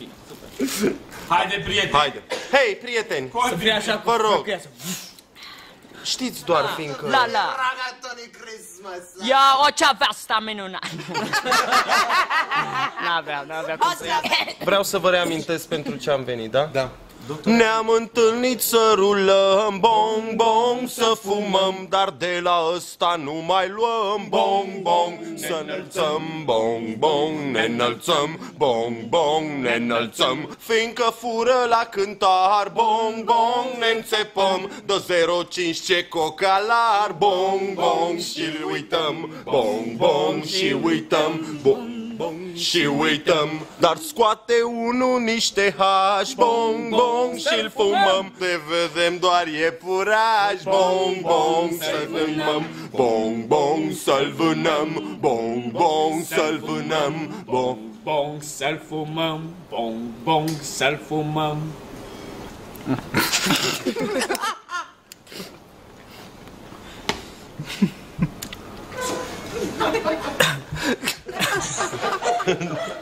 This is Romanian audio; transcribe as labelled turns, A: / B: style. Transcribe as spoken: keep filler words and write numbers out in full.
A: bine, super. Haide, prieteni.
B: Haide. Hei, prieteni,
A: să fie așa,
B: vă rog. Știți doar fiindcă...
C: La, la. Ia o ceavea asta minunat. N-avea, n-avea cum să ia.
B: Vreau să vă reamintesc pentru ce am venit, da? Da. Ne-am întâlnit să rulăm, bong, bong, să fumăm, dar de la ăsta nu mai luăm, bong, bong, să înălțăm, bong, bong, ne înălțăm, bong, bong, ne înălțăm, fiindcă fură la cântar, bong, bong, ne înțepăm, dă zero cinci ce cocalar, bong, bong, și-l uităm, bong, bong, și uităm, bong. Și uităm, dar scoate unul niște hași, bong, bong, și-l fumăm, te vedem doar iepuraș, bong, bong, să-l fumăm, bong, bong, să-l vânăm, bong, bong, să-l vânăm, bong,
A: bong, să-l fumăm, bong, bong, să-l fumăm.
B: Ha ha ha.